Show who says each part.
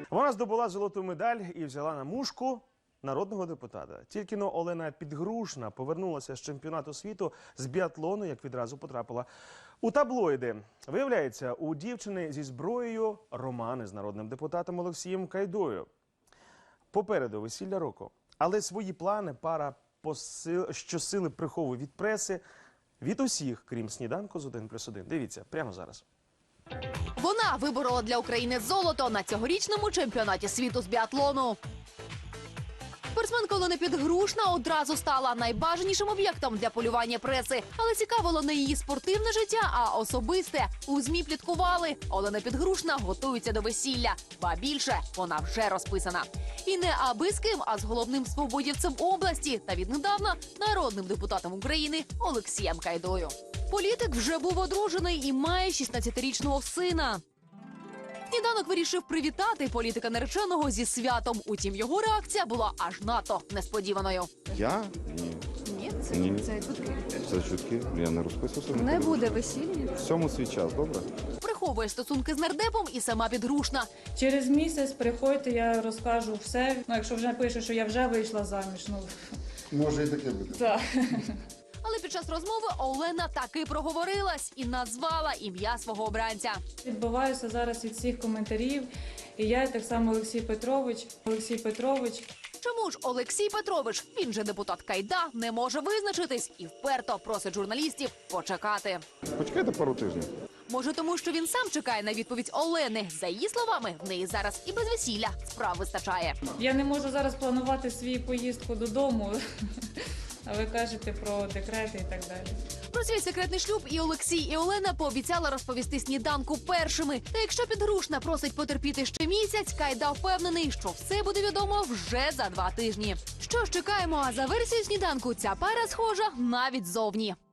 Speaker 1: Вона здобула золоту медаль і взяла на мушку народного депутата. Тільки-но Олена Підгрушна повернулася з чемпіонату світу з біатлону, як відразу потрапила у таблоїди. Виявляється, у дівчини зі зброєю романи з народним депутатом Олексієм Кайдою. Попереду весілля року. Але свої плани пара щосили приховує від преси, від усіх, крім сніданку з 1+1. Дивіться, прямо зараз.
Speaker 2: Вона виборола для України золото на цьогорічному чемпіонаті світу з біатлону. Спортсменка Олена Підгрушна одразу стала найбажанішим об'єктом для полювання преси. Але цікавило не її спортивне життя, а особисте. У ЗМІ пліткували. Олена Підгрушна готується до весілля. Ба більше, вона вже розписана. І не аби з ким, а з головним свободівцем області та віднедавна народним депутатом України Олексієм Кайдою. Політик вже був одружений і має 16-річного сина. Сніданок вирішив привітати політика нареченого зі святом. Утім, його реакція була аж надто несподіваною.
Speaker 3: Я? Ні.
Speaker 4: Ні,
Speaker 3: Ні.
Speaker 4: це чутки.
Speaker 3: Це чутки. Я не розписувався.
Speaker 4: Не буде весілля.
Speaker 3: Всьому свій час, добре?
Speaker 2: Приховує стосунки з нардепом і сама Підгрушна.
Speaker 5: Через місяць приходьте, я розкажу все. Ну, якщо вже пише, що я вже вийшла заміж, ну...
Speaker 3: Може і таке бути.
Speaker 5: Так.
Speaker 2: Але під час розмови Олена таки проговорилась і назвала ім'я свого обранця.
Speaker 5: Відбиваюся зараз від всіх коментарів. І я, і так само Олексій Петрович.
Speaker 2: Чому ж Олексій Петрович, він же депутат Кайда, не може визначитись і вперто просить журналістів почекати?
Speaker 3: Почекайте пару тижнів.
Speaker 2: Може, тому що він сам чекає на відповідь Олени. За її словами, в неї зараз і без весілля справ вистачає.
Speaker 5: Я не можу зараз планувати свою поїздку додому. А ви кажете про декрети і так далі.
Speaker 2: Про свій секретний шлюб і Олексій, і Олена пообіцяли розповісти сніданку першими. Та якщо Підгрушна просить потерпіти ще місяць, Кайда впевнений, що все буде відомо вже за 2 тижні. Що ж, чекаємо, а за версією сніданку ця пара схожа навіть зовні.